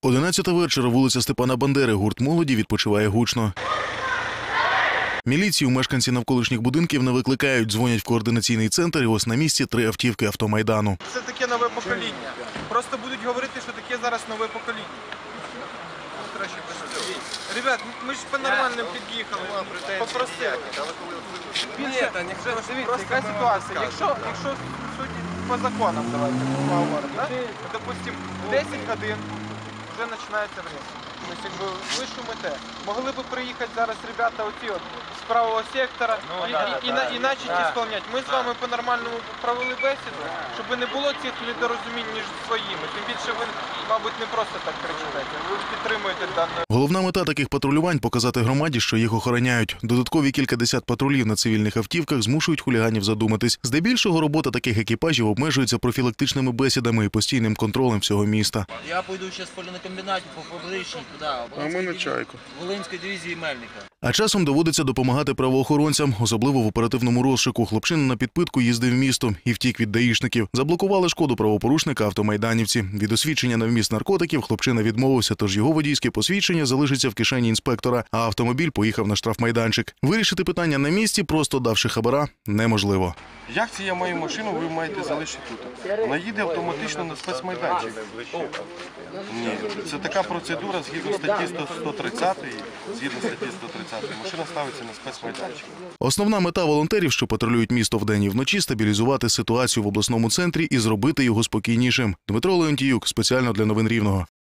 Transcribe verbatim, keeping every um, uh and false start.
одинадцята вечора, вулиця Степана Бандери. Гурт молоді відпочиває гучно. Міліцію мешканці навколишніх будинків не викликають, дзвонять в координаційний центр, і ось на місці три автівки автомайдану. Це таке нове покоління. Просто будуть говорити, що таке зараз нове покоління. Ребят, ми ж по-нормальному під'їхали, попросили. Більше, дивіться, яка ситуація. Якщо, якщо судити по законам, давайте поговоримо, да? Допустим, десять годин вже починається время. Тобто, якби ви шумите. Могли б приїхати зараз ребята оці от з правого сектора ну, і, да, і, да, і, і начать да. ісполняти. Ми з вами по-нормальному провели бесіду, щоб не було цих недорозумінь між своїми. Тим більше ви, мабуть, не просто так кричите, ви підтримуєте дане. Головна мета таких патрулювань – показати громаді, що їх охороняють. Додаткові кількадесят патрулів на цивільних автівках змушують хуліганів задуматись. Здебільшого робота таких екіпажів обмежується профілактичними бесідами і постійним контролем всього міста. Я пойду зараз в полінокомбінаті по фабричній, туди, а ми на чайку. Волинської дивізії Мельника. А часом доводиться допомагати правоохоронцям, особливо в оперативному розшуку. Хлопчина на підпитку їздив містом і втік від даїшників. Заблокували шкоду правопорушника автомайданівці. Від освідчення на вміст наркотиків хлопчина відмовився, тож його водійське посвідчення залишиться в кишені інспектора, а автомобіль поїхав на штрафмайданчик. Вирішити питання на місці, просто давши хабара, неможливо. Як це я маю машину, ви маєте залишити тут? Вона їде автоматично на спецмайданчик. Ні, це така процедура згідно статті сто тридцять, згідно статті сто тридцять, машина ставиться на спецмайданчик. Основна мета волонтерів, що патрулюють місто вдень і вночі – стабілізувати ситуацію в обласному центрі і зробити його спокійнішим. Дмитро Леонтіюк, спеціально для новин Рівного.